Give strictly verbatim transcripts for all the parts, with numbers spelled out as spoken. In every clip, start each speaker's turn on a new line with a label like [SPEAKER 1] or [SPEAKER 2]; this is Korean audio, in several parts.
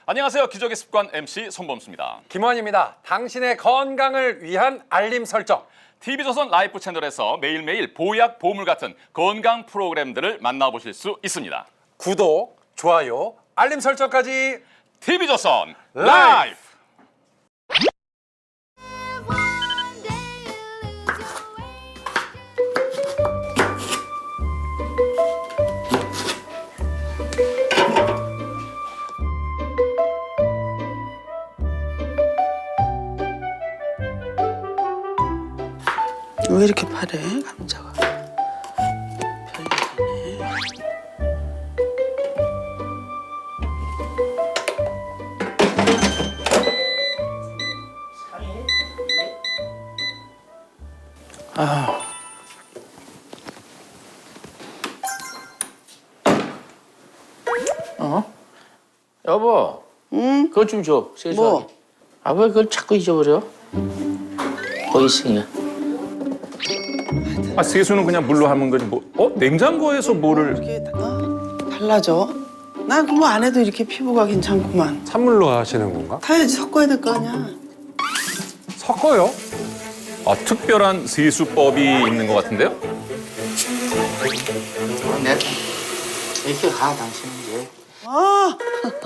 [SPEAKER 1] 안녕하세요. 기적의 습관 엠씨 손범수입니다.
[SPEAKER 2] 김원입니다. 당신의 건강을 위한 알림 설정.
[SPEAKER 1] 티비조선 라이프 채널에서 매일매일 보약, 보물 같은 건강 프로그램들을 만나보실 수 있습니다.
[SPEAKER 2] 구독, 좋아요, 알림 설정까지.
[SPEAKER 1] 티비조선 라이프!
[SPEAKER 3] 왜 이렇게 파래, 감자가? 별일이네. 아.
[SPEAKER 4] 어? 여보.
[SPEAKER 3] 응?
[SPEAKER 4] 그것 좀 줘. 세수하게.
[SPEAKER 3] 뭐?
[SPEAKER 4] 아, 왜 그걸 자꾸 잊어버려? 거기 있으니까.
[SPEAKER 5] 아, 세수는 그냥 물로 하는 거지 뭐. 어? 냉장고에서 뭐를.
[SPEAKER 3] 이렇게 어? 달라져? 나 그거 안 해도 이렇게 피부가 괜찮구만.
[SPEAKER 2] 찬물로 하시는 건가?
[SPEAKER 3] 타야지 섞어야 될 거 아니야.
[SPEAKER 2] 섞어요?
[SPEAKER 1] 아, 특별한 세수법이 있는 것 같은데요?
[SPEAKER 4] 네. 이렇게 가, 당신은 이제.
[SPEAKER 3] 아!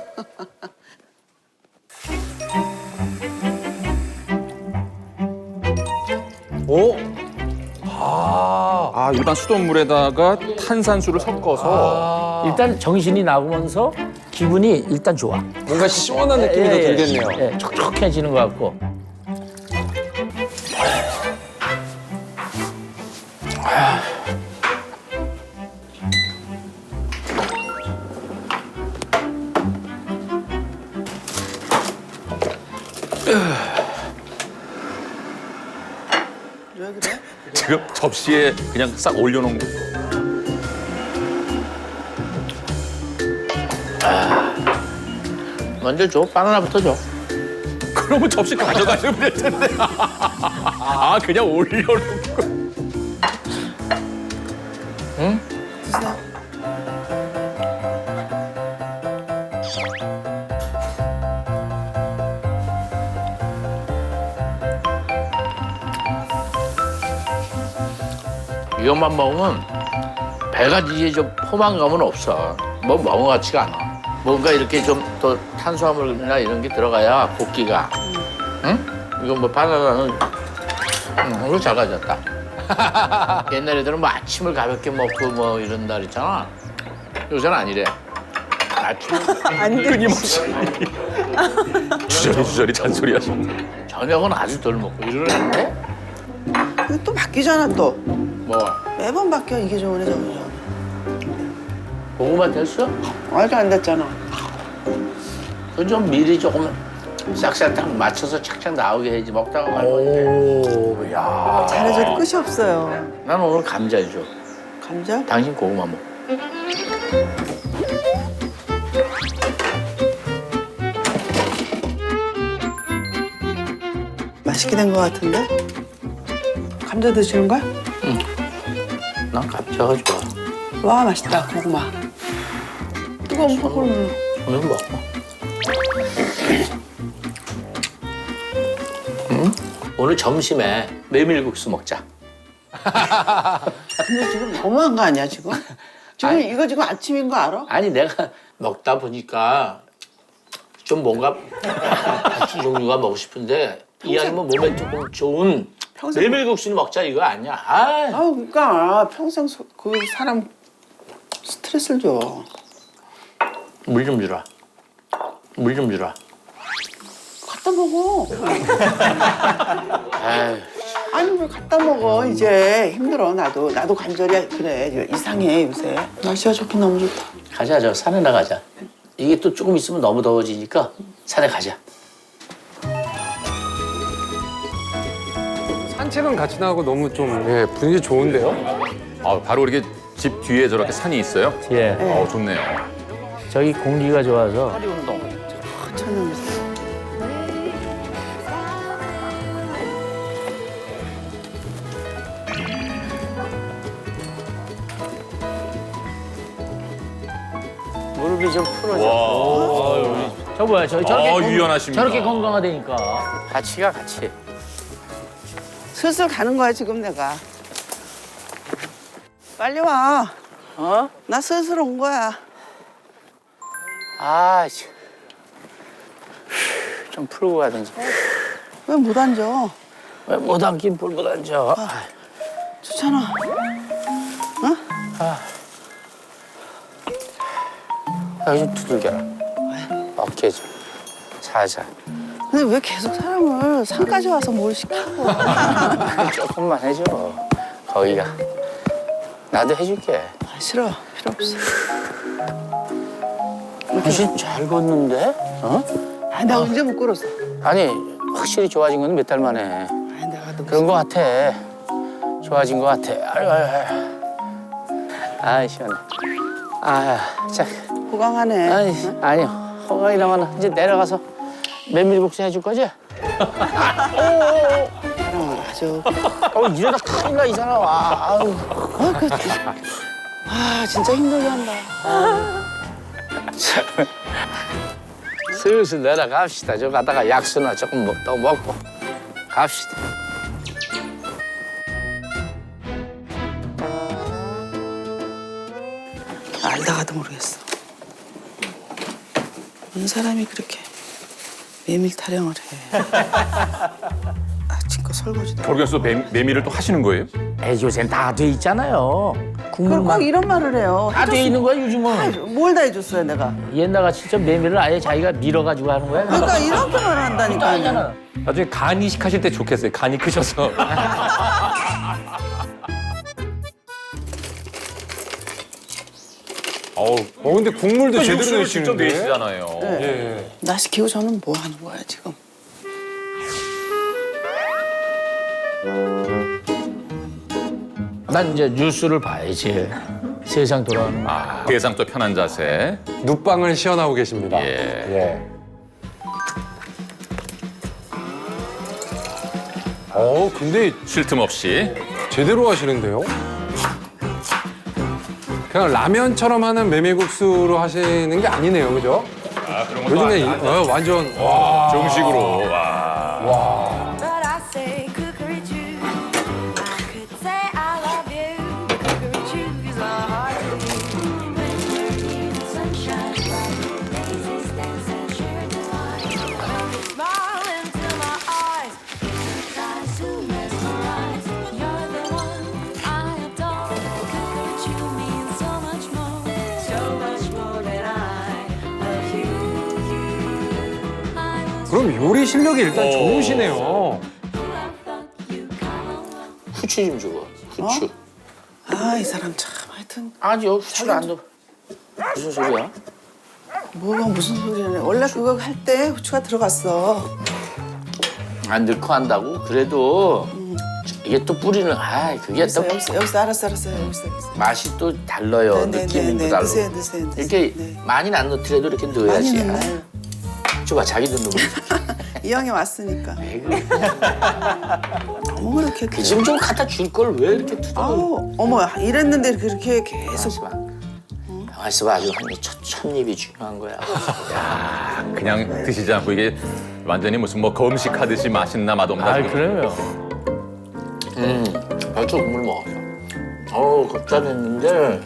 [SPEAKER 2] 오? 아,
[SPEAKER 5] 아, 일반 수돗물에다가 탄산수를 섞어서.
[SPEAKER 6] 일단 정신이 나오면서 기분이 일단 좋아.
[SPEAKER 2] 뭔가 시원한 느낌이 더
[SPEAKER 6] 예, 예.
[SPEAKER 2] 들겠네요.
[SPEAKER 6] 예, 촉촉해지는 것 같고.
[SPEAKER 3] 왜 그래?
[SPEAKER 1] 지금 접시에 그냥 싹 올려놓은 거.
[SPEAKER 4] 먼저 줘. 바나나부터 줘.
[SPEAKER 1] 그러면 접시 가져가시면 될 텐데. 아, 그냥 올려놓고.
[SPEAKER 3] 드세요.
[SPEAKER 4] 이것만 먹으면 배가 이제 좀 포만감은 없어. 뭐 먹은 것 같지가 않아. 뭔가 이렇게 좀 더 탄수화물이나 이런 게 들어가야 볶기가. 응? 이건 뭐 바나나는 응, 이거 잘 가졌다. 옛날 애들은 뭐 아침을 가볍게 먹고 뭐 이런다 그랬잖아. 요새는 아니래. 아침
[SPEAKER 3] 안 돼.
[SPEAKER 1] 끊임없이. 주저리 주저리 잔소리 하시네.
[SPEAKER 4] 저녁은 아주 덜 먹고 이러는데
[SPEAKER 3] 근데 또 바뀌잖아, 또.
[SPEAKER 4] 뭐
[SPEAKER 3] 매번 바뀌어, 이게 좋으네, 저게 좋으네.
[SPEAKER 4] 고구마 됐어?
[SPEAKER 3] 아직 안 됐잖아.
[SPEAKER 4] 그 좀 미리 조금 싹싹 딱 맞춰서 착착 나오게 해야지 먹다가 말고.
[SPEAKER 2] 오, 야.
[SPEAKER 3] 잘해줘도 끝이 없어요.
[SPEAKER 4] 난 오늘 감자 줘.
[SPEAKER 3] 감자?
[SPEAKER 4] 당신 고구마 먹.
[SPEAKER 3] 맛있게 된 거 같은데? 감자 드시는 거야?
[SPEAKER 4] 난 감자가 좋아.
[SPEAKER 3] 와, 맛있다, 고구마. 이거 먹을
[SPEAKER 4] 오늘 먹고. 응? 오늘 점심에 메밀국수 먹자.
[SPEAKER 3] 근데 지금 너무한 거 아니야, 지금? 지금
[SPEAKER 4] 아니.
[SPEAKER 3] 이거 지금 아침인 거 알아?
[SPEAKER 4] 아니 내가 먹다 보니까 좀 뭔가 국수 종류가 먹고 싶은데 이 아니면 몸에 조금 좋은
[SPEAKER 3] 평생
[SPEAKER 4] 메밀국수는 먹자 이거 아니야. 아,
[SPEAKER 3] 아, 그러니까 평생 소- 그 사람 스트레스를 줘.
[SPEAKER 4] 물 좀 주라. 물 좀 주라.
[SPEAKER 3] 갖다 먹어.
[SPEAKER 4] 아이,
[SPEAKER 3] 아니 왜 갖다 먹어? 이제 힘들어 나도 나도 관절이 그래 이상해 요새. 날씨가 좋긴 너무 좋다.
[SPEAKER 4] 가자 저 산에 나가자. 이게 또 조금 있으면 너무 더워지니까 산에 가자.
[SPEAKER 2] 산책은 같이 나가고 너무 좀 예, 분위기 좋은데요?
[SPEAKER 1] 아, 바로 이렇게 집 뒤에 저렇게 산이 있어요?
[SPEAKER 6] 예,
[SPEAKER 1] 어, 좋네요.
[SPEAKER 6] 저기 공기가 좋아서
[SPEAKER 4] 허리 운동.
[SPEAKER 3] 천연미사.
[SPEAKER 4] 무릎이 좀 풀어져.
[SPEAKER 1] 와.
[SPEAKER 4] 아유,
[SPEAKER 6] 저 뭐야, 저 저렇게
[SPEAKER 1] 어,
[SPEAKER 6] 건-
[SPEAKER 1] 유연하십니다.
[SPEAKER 6] 저렇게 건강하다니까.
[SPEAKER 4] 같이 가 같이.
[SPEAKER 3] 슬슬 가는 거야 지금 내가. 빨리 와.
[SPEAKER 4] 어?
[SPEAKER 3] 나 슬슬 온 거야.
[SPEAKER 4] 아, 씨. 좀 풀고 가든지.
[SPEAKER 3] 왜 못 앉아?
[SPEAKER 6] 왜 못 앉긴 볼못 앉아.
[SPEAKER 3] 좋잖아.
[SPEAKER 4] 여기 좀 두들겨라. 어깨 좀. 살살.
[SPEAKER 3] 근데 왜 계속 사람을 산까지 와서 뭘 시키고?
[SPEAKER 4] 조금만 해줘. 거기가. 나도 해줄게.
[SPEAKER 3] 아, 싫어. 필요 없어.
[SPEAKER 4] 훨씬 잘 걷는데? 어?
[SPEAKER 3] 아, 나 언제 못 걸었어?
[SPEAKER 4] 아니, 확실히 좋아진 건 몇 달 만에.
[SPEAKER 3] 아, 내가 너무
[SPEAKER 4] 그런 거 같아. 좋아진 거 같아. 아유, 아유, 아유. 아, 시원해. 아, 자.
[SPEAKER 3] 호강하네.
[SPEAKER 4] 아니, 아니요. 호강이라면 이제 내려가서 메밀국수 해줄 거지?
[SPEAKER 3] 사랑을 아주.
[SPEAKER 4] 어, 이러다 큰일 나, 이 사람. 아, 아우.
[SPEAKER 3] 어, 그, 아, 진짜 힘들게 한다.
[SPEAKER 4] 슬슬 내려갑시다. 저 가다가 약수나 조금 먹, 더 먹고 갑시다.
[SPEAKER 3] 알다가도 모르겠어. 어느 사람이 그렇게 메밀 타령을 해. 아침껏 설거지도.
[SPEAKER 1] 모르겠어. 매, 메밀을 또 하시는 거예요?
[SPEAKER 6] 에 요새는 다 돼 있잖아요.
[SPEAKER 3] 그럼
[SPEAKER 6] 국물만
[SPEAKER 3] 꼭 이런 말을 해요.
[SPEAKER 6] 다 돼 있는 거야 요즘은.
[SPEAKER 3] 뭘 다 해줬어요, 내가.
[SPEAKER 6] 옛날 같이 진짜 메밀을 아예 자기가 밀어가지고 하는 거야.
[SPEAKER 3] 그러니까 이렇게 말을 한다니까.
[SPEAKER 6] 아니잖아.
[SPEAKER 5] 나중에 간 이식하실 때 좋겠어요. 간이 크셔서. 어우, 어 근데 국물도 제대로
[SPEAKER 1] 육수를 직접
[SPEAKER 5] 내시는데.
[SPEAKER 1] 내시잖아요.
[SPEAKER 3] 네.
[SPEAKER 5] 예.
[SPEAKER 3] 나 시키고 저는 뭐 하는 거야, 지금.
[SPEAKER 6] 난 이제 뉴스를 봐야지. 세상 돌아가는 거.
[SPEAKER 1] 아, 세상 또 편한 자세.
[SPEAKER 5] 눕방을 시연하고 계십니다.
[SPEAKER 1] 예.
[SPEAKER 5] 예. 어, 근데
[SPEAKER 1] 쉴 틈 없이.
[SPEAKER 5] 제대로 하시는데요? 그냥 라면처럼 하는 메밀국수로 하시는 게 아니네요, 그죠?
[SPEAKER 1] 아, 그런 것도
[SPEAKER 5] 요즘에 이-
[SPEAKER 1] 아니-
[SPEAKER 5] 어, 완전 와.
[SPEAKER 1] 정식으로. 와.
[SPEAKER 7] But I say cookery chew. I could say I love you. But cookery chew is my heart to you. When we're in the sunshine, like daisies dance and sheer delight. When you smile into my eyes, eyes to mesmerize. You're the one I adore. Cookery chew means so much more, so much more than I love you. I was
[SPEAKER 5] 그럼 요리 실력이 일단
[SPEAKER 1] 오.
[SPEAKER 5] 좋으시네요.
[SPEAKER 4] 후추 좀 주고. 후추.
[SPEAKER 3] 아, 이 사람 참, 하여튼.
[SPEAKER 4] 아니요, 후추를 안 넣어. 무슨 소리야?
[SPEAKER 3] 뭐가 무슨 소리야. 원래 그거 할 때 후추가 들어갔어.
[SPEAKER 4] 안 넣고 한다고? 그래도 이게 또 뿌리는, 아, 그게 또
[SPEAKER 3] 여기서, 여기서, 여기서, 알았어, 알았어. 여기서, 여기서.
[SPEAKER 4] 맛이 또 달라요.
[SPEAKER 3] 네, 네,
[SPEAKER 4] 느낌이
[SPEAKER 3] 네,
[SPEAKER 4] 또
[SPEAKER 3] 네.
[SPEAKER 4] 달라.
[SPEAKER 3] 드세요, 드세요, 드세요.
[SPEAKER 4] 이렇게
[SPEAKER 3] 네.
[SPEAKER 4] 많이는 안 넣더라도 이렇게 넣어야지.
[SPEAKER 3] 많이 넣네.
[SPEAKER 4] 아, 줘봐, 자기도 넣어.
[SPEAKER 3] 이 형이 왔으니까.
[SPEAKER 4] 왜 그래?
[SPEAKER 3] 너무 그렇게.
[SPEAKER 4] 그 지금 좀 갖다 줄 걸 왜 이렇게 투덜?
[SPEAKER 3] 아우, 어머, 이랬는데 그렇게 계속.
[SPEAKER 4] 가만있어 봐. 가만있어 봐. 아주 한 첫, 첫 입이 중요한 거야.
[SPEAKER 1] 그냥 드시지 않고 이게 완전히 무슨 뭐 검식하듯이 맛있나 맛없나.
[SPEAKER 6] 아
[SPEAKER 1] 지금.
[SPEAKER 6] 그래요.
[SPEAKER 4] 음, 벌써 국물 먹었어. 어우, 겁잘했는데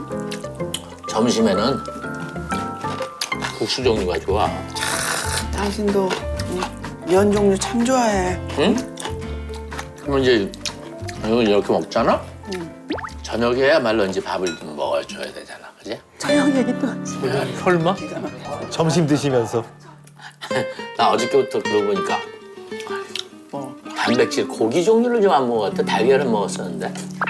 [SPEAKER 4] 점심에는 국수 종류가 좋아.
[SPEAKER 3] 당신도 응, 면 종류 참 좋아해.
[SPEAKER 4] 응? 그러면 이제 이걸 이렇게 먹잖아? 저녁에야말로 이제 밥을 좀 먹어줘야 되잖아, 그지?
[SPEAKER 3] 저형 얘기 또.
[SPEAKER 6] 설마? 점심 드시면서.
[SPEAKER 4] 나 어저께부터 그러고 보니까
[SPEAKER 3] 뭐.
[SPEAKER 4] 단백질, 고기 종류를 좀 안 먹었다. 달걀은 먹었었는데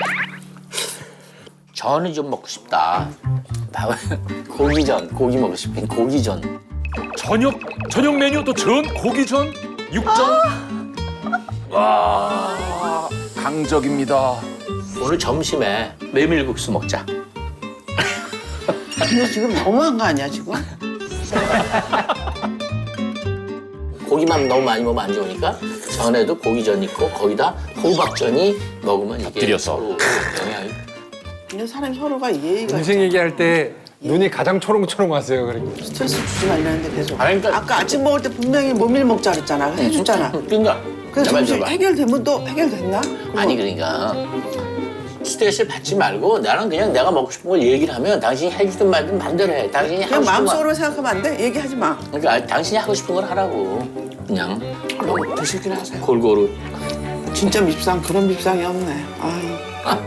[SPEAKER 4] 전이 좀 먹고 싶다. 밥은 고기전, 고기 먹고 싶은 고기전.
[SPEAKER 1] 저녁 저녁 메뉴 또 전, 고기전, 육전. 와, 강적입니다.
[SPEAKER 4] 오늘 점심에 메밀국수 먹자.
[SPEAKER 3] 근데 지금 너무한 거 아니야 지금?
[SPEAKER 4] 고기만 너무 많이 먹으면 안 좋으니까 전에도 고기전 있고 거기다 호박전이 먹으면 이게
[SPEAKER 1] 곁들여서.
[SPEAKER 4] 서로 영향이.
[SPEAKER 3] 근데 사람이 서로가 예의가
[SPEAKER 5] 인생 얘기할 때 눈이 가장 초롱초롱하세요. 그러니까.
[SPEAKER 3] 스트레스 주지 말라는데 계속.
[SPEAKER 4] 아니, 그러니까-
[SPEAKER 3] 아까 아침 먹을 때 분명히 모밀 먹자 그랬잖아. 해줬잖아.
[SPEAKER 4] 그러니까
[SPEAKER 3] 그래서
[SPEAKER 4] 내 말
[SPEAKER 3] 점심
[SPEAKER 4] 들어봐.
[SPEAKER 3] 해결되면 또 해결됐나?
[SPEAKER 4] 아니 그러니까 스트레스를 받지 말고 나는 그냥 내가 먹고 싶은 걸 얘기를 하면 당신이 해주든 말든 마음대로 해. 당신이
[SPEAKER 3] 그냥
[SPEAKER 4] 하고 싶은 거.
[SPEAKER 3] 마음속으로 생각하면 안 돼? 얘기하지 마.
[SPEAKER 4] 그러니까 아, 당신이 하고 싶은 걸 하라고. 그냥 너무 드시긴 하세요. 골고루.
[SPEAKER 3] 진짜 밉상 그런 밉상이 없네. 아유.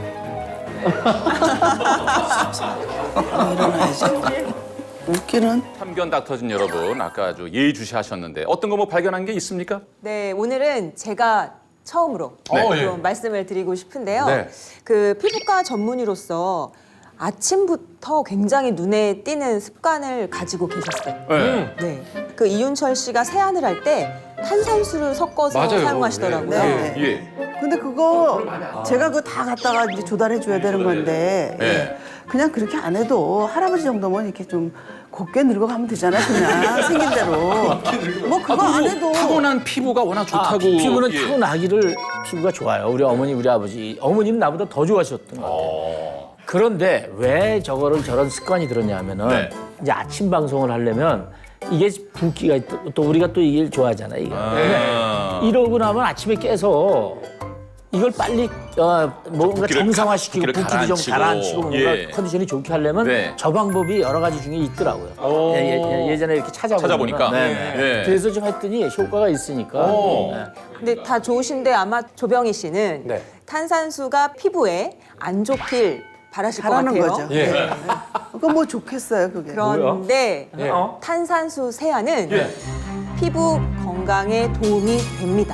[SPEAKER 3] 아, 일어나야지. 웃기는.
[SPEAKER 1] 참견 닥터진 여러분, 아까 아주 예의주시하셨는데 어떤 거 뭐 발견한 게 있습니까?
[SPEAKER 8] 네, 오늘은 제가 처음으로
[SPEAKER 5] 네.
[SPEAKER 8] 좀
[SPEAKER 5] 어, 예.
[SPEAKER 8] 말씀을 드리고 싶은데요.
[SPEAKER 5] 네.
[SPEAKER 8] 그 피부과 전문의로서 아침부터 굉장히 눈에 띄는 습관을 가지고 계셨어요.
[SPEAKER 1] 네.
[SPEAKER 8] 네. 그 이윤철 씨가 세안을 할 때 탄산수를 섞어서
[SPEAKER 5] 맞아요.
[SPEAKER 8] 사용하시더라고요.
[SPEAKER 3] 네.
[SPEAKER 1] 예.
[SPEAKER 3] 근데 그거 제가 그거 다 갖다가 이제 조달해 줘야 되는 건데
[SPEAKER 1] 네.
[SPEAKER 3] 그냥 그렇게 안 해도 할아버지 정도면 이렇게 좀 곱게 늙어가면 되잖아요. 그냥 생긴 대로. 뭐 그거 안 해도.
[SPEAKER 1] 타고난 피부가 워낙 좋다고.
[SPEAKER 6] 아, 피부는
[SPEAKER 1] 예.
[SPEAKER 6] 타고나기를 피부가 좋아요. 우리 어머니, 우리 아버지. 어머니는 나보다 더 좋아하셨던 것 같아요. 그런데 왜 저거를 저런 습관이 들었냐면은
[SPEAKER 1] 네.
[SPEAKER 6] 이제 아침 방송을 하려면 이게 붓기가 있- 또 우리가 또 이걸 좋아하잖아. 이거.
[SPEAKER 1] 아.
[SPEAKER 6] 이러고 나면 아침에 깨서 이걸 빨리 어, 뭔가
[SPEAKER 1] 붓기를
[SPEAKER 6] 정상화시키고
[SPEAKER 1] 가- 붓기를
[SPEAKER 6] 붓기도 좀
[SPEAKER 1] 가라앉히고.
[SPEAKER 6] 가라앉히고 뭔가
[SPEAKER 1] 예.
[SPEAKER 6] 컨디션이 좋게 하려면
[SPEAKER 1] 네.
[SPEAKER 6] 저 방법이 여러 가지 중에 있더라고요. 예, 예, 전에 이렇게 찾아보니까.
[SPEAKER 1] 찾아보니까.
[SPEAKER 6] 네, 네.
[SPEAKER 1] 예.
[SPEAKER 6] 그래서 좀 했더니 효과가 있으니까.
[SPEAKER 1] 오.
[SPEAKER 6] 네.
[SPEAKER 8] 근데 다 좋으신데 아마 조병희 씨는
[SPEAKER 5] 네.
[SPEAKER 8] 탄산수가 피부에 안 좋길 바라실 것
[SPEAKER 3] 바라는
[SPEAKER 8] 같아요.
[SPEAKER 3] 거죠.
[SPEAKER 5] 예.
[SPEAKER 3] 그거 뭐 좋겠어요, 그게.
[SPEAKER 8] 그런데
[SPEAKER 5] 예.
[SPEAKER 8] 탄산수 세안은 피부 건강에 도움이 됩니다.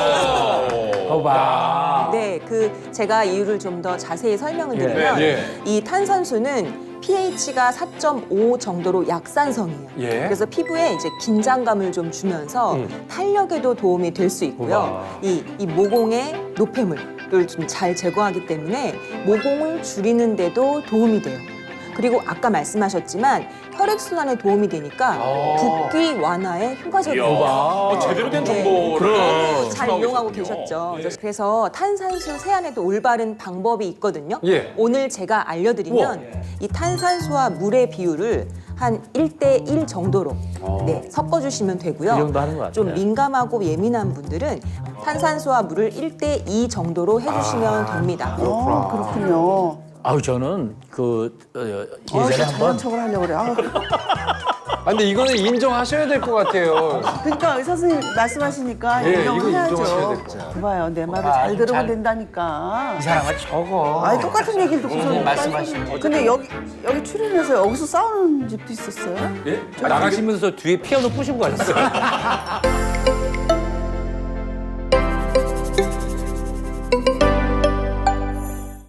[SPEAKER 6] 봐봐.
[SPEAKER 8] 네, 그 제가 이유를 좀 더 자세히 설명을 드리면
[SPEAKER 5] 예.
[SPEAKER 8] 이 탄산수는 pH가 사 점 오 정도로 약산성이에요.
[SPEAKER 5] 예.
[SPEAKER 8] 그래서 피부에 이제 긴장감을 좀 주면서
[SPEAKER 5] 음.
[SPEAKER 8] 탄력에도 도움이 될 수 있고요.
[SPEAKER 5] 우와.
[SPEAKER 8] 이, 이 모공의 노폐물을 좀 잘 제거하기 때문에 모공을 줄이는데도 도움이 돼요. 그리고 아까 말씀하셨지만 혈액순환에 도움이 되니까 붓기 완화에 효과적이에요.
[SPEAKER 1] 어, 제대로 된
[SPEAKER 8] 네.
[SPEAKER 1] 정보를
[SPEAKER 8] 잘
[SPEAKER 1] 전하고
[SPEAKER 8] 이용하고
[SPEAKER 1] 계셨군요.
[SPEAKER 8] 계셨죠. 그래서 탄산수 세안에도 올바른 방법이 있거든요.
[SPEAKER 5] 예.
[SPEAKER 8] 오늘 제가 알려드리면 이 탄산수와 물의 비율을 한 일 대 일 정도로 네, 섞어주시면 되고요.
[SPEAKER 6] 이 정도 하는 것 같아요.
[SPEAKER 8] 좀 민감하고 예민한 분들은 탄산수와 물을 일 대 이 정도로 해주시면 됩니다.
[SPEAKER 3] 어, 그렇군요.
[SPEAKER 6] 아우 저는 그 어,
[SPEAKER 3] 어,
[SPEAKER 6] 예전에
[SPEAKER 3] 저
[SPEAKER 6] 한번
[SPEAKER 3] 저런 척을 하려고 그래. 아우.
[SPEAKER 5] 아, 근데 이거는 인정하셔야 될 것 같아요.
[SPEAKER 3] 그러니까 의사 선생님 말씀하시니까
[SPEAKER 5] 예, 이거
[SPEAKER 3] 인정해야죠.
[SPEAKER 5] 인정하셔야 될 것 같아요.
[SPEAKER 3] 봐요, 내 말을
[SPEAKER 6] 아,
[SPEAKER 3] 잘 들으면
[SPEAKER 6] 잘-
[SPEAKER 3] 된다니까.
[SPEAKER 6] 이 사람아 저거.
[SPEAKER 3] 아니 똑같은 얘기를 듣고서
[SPEAKER 6] 말씀하시는
[SPEAKER 3] 근데 여기 여기 출연해서 여기서 싸우는 집도 있었어요?
[SPEAKER 5] 예? 나가시면서 뒤에 피아노 부시고 가셨어요.